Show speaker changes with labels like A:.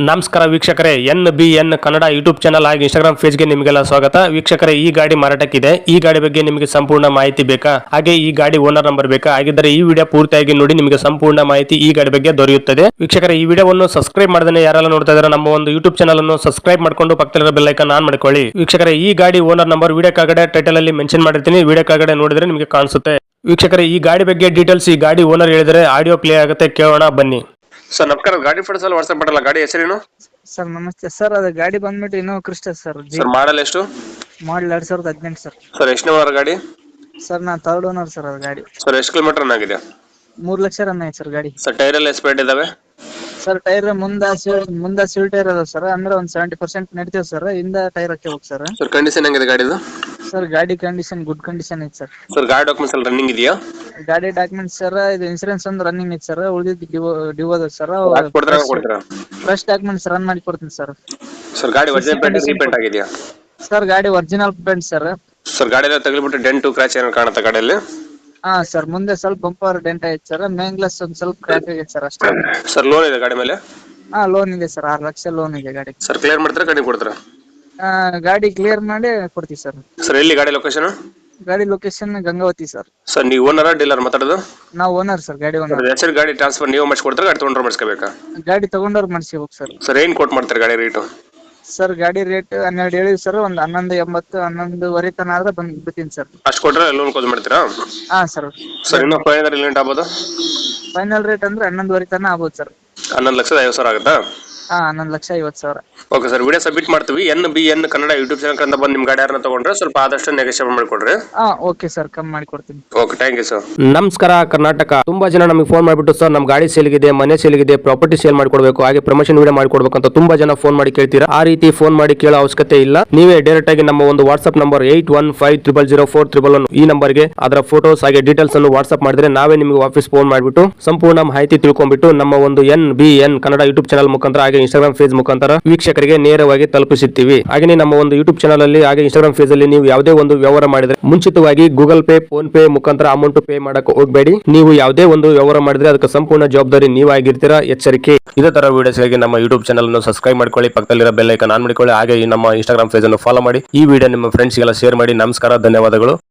A: ನಮಸ್ಕಾರ ವೀಕ್ಷಕರೇ, NBN Kannada YouTube channel ಹಾಗೂ ಇನ್ಸ್ಟಾಗ್ರಾಮ್ ಪೇಜ್ಗೆ ನಿಮಗೆಲ್ಲ ಸ್ವಾಗತ. ವೀಕ್ಷಕರೇ, ಈ ಗಾಡಿ ಮಾರಾಟಕ್ಕಿದೆ. ಈ ಗಾಡಿ ಬಗ್ಗೆ ನಿಮಗೆ ಸಂಪೂರ್ಣ ಮಾಹಿತಿ ಬೇಕಾ, ಹಾಗೆ ಈ ಗಾಡಿ ಓನರ್ ನಂಬರ್ ಬೇಕಾ? ಹಾಗಿದ್ದರೆ ಈ ವಿಡಿಯೋ ಪೂರ್ತಿಯಾಗಿ ನೋಡಿ, ನಿಮಗೆ ಸಂಪೂರ್ಣ ಮಾಹಿತಿ ಈ ಗಾಡಿ ಬಗ್ಗೆ ದೊರೆಯುತ್ತದೆ. ವೀಕ್ಷಕರೇ, ಈ ವಿಡಿಯೋವನ್ನು ಸಬ್ಸ್ಕ್ರೈಬ್ ಮಾಡದೇ ಯಾರೆಲ್ಲ ನೋಡ್ತಾ ಇದ್ದಾರೆ ನಮ್ಮ ಒಂದು ಯೂಟ್ಯೂಬ್ ಚಾನಲ್ ಅನ್ನು ಸಬ್ಸ್ಕ್ರೈಬ್ ಮಾಡ್ಕೊಂಡು ಪಕ್ಕದಲ್ಲಿರೋ ಬೆಲ್ ಐಕಾನ್ ಆನ್ ಮಾಡ್ಕೊಳ್ಳಿ. ವೀಕ್ಷಕರೇ, ಈ ಗಾಡಿ ಓನರ್ ನಂಬರ್ ವಿಡಿಯೋ ಕೆಳಗಡೆ ಟೈಟಲ್ ಅಲ್ಲಿ ಮೆನ್ಷನ್ ಮಾಡಿರ್ತೀನಿ, ವಿಡಿಯೋ ಕೆಳಗಡೆ ನೋಡಿದ್ರೆ ನಿಮಗೆ ಕಾಣಿಸುತ್ತೆ. ವೀಕ್ಷಕರೇ, ಈ ಗಾಡಿ ಬಗ್ಗೆ ಡೀಟೇಲ್ಸ್ ಈ ಗಾಡಿ ಓನರ್ ಹೇಳಿದರೆ ಆಡಿಯೋ ಪ್ಲೇ ಆಗುತ್ತೆ, ಕೇಳೋಣ ಬನ್ನಿ.
B: ಸರ್ ನಮಸ್ಕಾರ, ಗಾಡಿ ಫೋಟೋಸ್ ಎಲ್ಲ ವಾಟ್ಸ್ಆಪ್ ಮಾಡಲ್ಲ. ಗಾಡಿ ಹೆಸರೇನು
C: ಸರ್? ನಮಸ್ತೆ ಸರ್, ಅದು ಗಾಡಿ ಬಂದ್ಬಿಟ್ಟು Innova Crysta sir.
B: Sir model ಎಷ್ಟು?
C: Model 2018 sir.
B: ಸರ್ ಎಷ್ಟನೇ ಓನರ್ ಗಾಡಿ?
C: ಸರ್ ನಾ ಥರ್ಡ್ ಓನರ್ ಸರ್ ಅದು ಗಾಡಿ.
B: ಸರ್ ಎಷ್ಟು ಕಿಲೋಮೀಟರ್ ರನ್ ಆಗಿದೆ?
C: 3 ಲಕ್ಷ ರನ್ ಆಯ್ತು ಸರ್ ಗಾಡಿ.
B: ಸರ್ ಟೈರ್ ಎಲ್ಲ ಎಸ್ಪೇಟ್ ಇದಾವೆ?
C: ಸರ್ ಟೈರ್ ಮುಂದ ಸಿಲ್ ಟೈರ್ ಅದ ಸರ್, ಅಂದ್ರೆ ಒಂದು 70% ನಡಿತೇವೆ ಸರ್. ಹಿಂದ ಟೈರ್ ಹಾಕಿ ಹೋಗಿ ಸರ್.
B: ಸರ್ ಕಂಡೀಷನ್ ಹೆಂಗಿದೆ ಗಾಡಿದು?
C: ಸರ್ ಗಾಡಿ ಕಂಡೀಷನ್ ಗುಡ್ ಕಂಡೀಷನ್ ಐತೆ ಸರ್.
B: ಸರ್ ಗಾಡಿ ಡಾಕ್ಯುಮೆಂಟ್ಸ್ ಎಲ್ಲ ರನ್ನಿಂಗ್ ಇದೆಯಾ?
C: ಗಾಡಿ ಡಾಕ್ಯುಮೆಂಟ್ಸ್ ಸರ್, ಇದು ಇನ್ಸೂರೆನ್ಸ್ ಒಂದು ರನ್ನಿಂಗ್ ಐತೆ ಸರ್, ಉಳಿದಿದ್ದು ಡ್ಯೂ ಅದ ಸರ್.
B: ಕೊಡ್ತೀರಾ?
C: ಫ್ರೆಶ್ ಡಾಕ್ಯುಮೆಂಟ್ಸ್ ರನ್ ಮಾಡಿ ಕೊಡ್ತೀನಿ ಸರ್.
B: ಸರ್ ಗಾಡಿ ಒರಿಜಿನಲ್ ಪೇಂಟ್ ರೀಪೇಂಟ್ ಆಗಿದೆಯಾ?
C: ಸರ್ ಗಾಡಿ ಒರಿಜಿನಲ್ ಪೇಂಟ್ ಸರ್.
B: ಸರ್ ಗಾಡಿ ಎಲ್ಲ ತಗಲಿಬಿಟ್ಟು ಡೆಂಟು ಕ್ರಾಚ್ ಏನಾದ್ರು ಕಾಣುತ್ತಾ ಗಾಡಿಯಲ್ಲಿ?
C: ಹಾ ಸರ್, ಮುಂದೆ ಸ್ವಲ್ಪ ಬಂಪರ್ ಡೆಂಟ್ ಐತೆ ಸರ್, ಮೇನ್ ಗ್ಲಾಸ್ ಒಂದು ಸ್ವಲ್ಪ ಕ್ರ್ಯಾಕ್ ಆಗೈತೆ ಸರ್ ಅಷ್ಟೇ.
B: ಸರ್ ಲೋನ್ ಇದೆ ಗಾಡಿ ಮೇಲೆ?
C: ಹಾ ಲೋನ್ ಇದೆ ಸರ್, 6 ಲಕ್ಷ ಲೋನ್ ಇದೆ ಗಾಡಿ.
B: ಸರ್ ಕ್ಲಿಯರ್ ಮಾಡ್ತೀರಾ ಗಾಡಿ ಕೊಡ್ತೀರಾ?
C: ಗಾಡಿ ಕ್ಲಿಯರ್ ಮಾಡಿ ಕೊಡ್ತೀವಿ ಸರ್.
B: ಸರ್ ಎಲ್ಲಿ ಗಾಡಿ ಲೊಕೇಶನ್?
C: ಗಾಡಿ ಲೊಕೇಶನ್ ಗಂಗಾವತಿ ಸರ್.
B: ಸರ್ ನೀವು ಓನರ್ ಡೀಲರ್ ಮಾತಾಡೋದು?
C: ನಾವು ಓನರ್ ಸರ್, ಗಾಡಿ ಓನರ್.
B: ಹೆಸರು ಗಾಡಿ ಟ್ರಾನ್ಸ್ಫರ್ ನೀವು ಮಾಡಿಸ್ಕೊಡ್ತಾರೆ, ಗಾಡಿ ತೊಗೊಂಡ್ರೆ ಮಾಡಿಸ್ಕೋಬೇಕಾ?
C: ಗಾಡಿ ತಗೊಂಡವ್ರು ಮಾಡಿಸಿ ಹೋಗಿ ಸರ್.
B: ಸರ್ ಏನ್ ಕೊಟ್ ಮಾಡ್ತಾರೆ ಗಾಡಿ ರೇಟು?
C: ಸರ್ ಗಾಡಿ ರೇಟ್ 12 ಹೇಳಿವಿ ಸರ್, ಒಂದು 11.80 11.5 ತನ ಆದ್ರೆ ಬಂದು ಬಿಡ್ತೀನಿ ಸರ್.
B: ಅಷ್ಟು ಕೊಟ್ರೆ ಲೋನ್ ಕ್ಲೋಸ್ ಮಾಡ್ತೀರಾ?
C: ಹಾ ಸರ್.
B: ಸರ್ ಇನ್ನೂ ಫೈನಲ್ ಲಿಮಿಟ್ ಆಗ್ಬೋದು?
C: ಫೈನಲ್ ರೇಟ್ ಅಂದ್ರೆ 11.5 ತನ ಆಗ್ಬೋದು ಸರ್.
B: 11,50,000 ಆಗುತ್ತಾ?
C: ಹಾ 11,50,000.
B: ಓಕೆ ಸರ್, ವಿಡಿಯೋ ಸಬ್ಮಿಟ್ ಮಾಡ್ತೀವಿ. NBN ಕನ್ನಡ ಯೂಟ್ಯೂಬ್ ಚಾನಲ್ ಕಂದ ಬಂದು ನಿಮ್ಮ ಗಾಡಿ ಯಾರನ್ನ ತಗೊಂಡ್ರೆ ಸ್ವಲ್ಪ ಆದಷ್ಟು ನೆಗೋಷಿಯೇಟ್ ಮಾಡಿಕೊಡ್ರಿ.
C: ಹಾ ಓಕೆ ಸರ್, ಕಮ್ಮಿ ಮಾಡಿ ಕೊಡ್ತೀನಿ.
B: Okay, thank you sir.
A: ನಮಸ್ಕಾರ ಕರ್ನಾಟಕ. ತುಂಬಾ ಜನ ನಮಗೆ ಫೋನ್ ಮಾಡಿಬಿಟ್ಟು ಸರ್ ನಮ್ಮ ಗಾಡಿ ಸೇಲ್ಗಿದೆ, ಮನೆ ಸೇಲ್ಗಿದೆ, ಪ್ರಾಪರ್ಟಿ ಸೇಲ್ ಮಾಡ್ಕೊಡ್ಬೇಕು, ಹಾಗೆ ಪ್ರಮೋಷನ್ ವಿಡಿಯೋ ಮಾಡ್ಕೊಡ್ಬೇಕು ಅಂತ ತುಂಬಾ ಜನ ಫೋನ್ ಮಾಡಿ ಕೇಳ್ತೀರಾ. ಆ ರೀತಿ ಫೋನ್ ಮಾಡಿ ಕೇಳೋ ಅವಶ್ಯಕತೆ ಇಲ್ಲ. ನೀವೇ ಡೈರೆಕ್ಟ್ ಆಗಿ ನಮ್ಮ ಒಂದು ವಾಟ್ಸ್ಆಪ್ ನಂಬರ್ 8150004111 ಈ ನಂಬರ್ಗೆ ಅದರ ಫೋಟೋಸ್ ಹಾಗೆ ಡೀಟೇಲ್ಸ್ ಅನ್ನು ವಾಟ್ಸ್ಆಪ್ ಮಾಡಿದ್ರೆ ನಾವೇ ನಿಮಗೆ ವಾಪಸ್ ಫೋನ್ ಮಾಡಿಬಿಟ್ಟು ಸಂಪೂರ್ಣ ಮಾಹಿತಿ ತಿಳ್ಕೊಂಡ್ಬಿಟ್ಟು ನಮ್ಮ ಒಂದು NBN ಕನ್ನಡ ಯೂಟ್ಯೂಬ್ ಚಾನಲ್ ಮುಖಾಂತರ ಹಾಗೆ ಇನ್ಸ್ಟಾಗ್ರಾಮ್ ಪೇಜ್ ಮುಖಾಂತರ ವೀಕ್ಷಕರಿಗೆ ನೇರವಾಗಿ ತಲುಪಿಸುತ್ತೀವಿ. ಹಾಗೆ ನಮ್ಮ ಒಂದು ಯೂಟ್ಯೂಬ್ ಚಾನಲ್ ಅಲ್ಲಿ ಹಾಗೆ ಇನ್ಸ್ಟಾಗ್ರಾಮ್ ಪೇಜ್ ಅಲ್ಲಿ ನೀವು ಯಾವುದೇ ಒಂದು ವ್ಯವಹಾರ ಮಾಡಿದ್ರೆ ಮುಂಚಿತವಾಗಿ ಗೂಗಲ್ ಪೇ, ಫೋನ್ ಪೇ ಮುಖಾಂತರ ಅಮೌಂಟ್ ಪೇ ಮಾಡಕ್ಕೆ ಹೋಗಬೇಡಿ. ನೀವು ಯಾವುದೇ ಒಂದು ವ್ಯವಹಾರ ಮಾಡಿದ್ರೆ ಅದಕ್ಕೆ ಸಂಪೂರ್ಣ ಜವಾಬ್ದಾರಿ ನೀವಾಗಿರ್ತೀರಾ, ಎಚ್ಚರಿಕೆ. ಇದೇ ತರ ವಿಡಿಯೋಸ್ಗಾಗಿ ನಮ್ಮ ಯೂಟ್ಯೂಬ್ ಚಾನಲ್ ಅನ್ನು ಸಬ್ಸ್ಕ್ರೈಬ್ ಮಾಡ್ಕೊಳ್ಳಿ, ಪಕ್ಕದಲ್ಲಿರೋ ಬೆಲ್ ಐಕಾನ್ ಆನ್ ಮಾಡಿಕೊಳ್ಳಿ, ಹಾಗೆ ನಮ್ಮ ಇನ್ಸ್ಟಾಗ್ರಾಮ್ ಪೇಜ್ ಅನ್ನು ಫಾಲೋ ಮಾಡಿ. ಈ ವಿಡಿಯೋ ನಿಮ್ಮ ಫ್ರೆಂಡ್ಸ್ಗೆಲ್ಲ ಶೇರ್ ಮಾಡಿ. ನಮಸ್ಕಾರ, ಧನ್ಯವಾದಗಳು.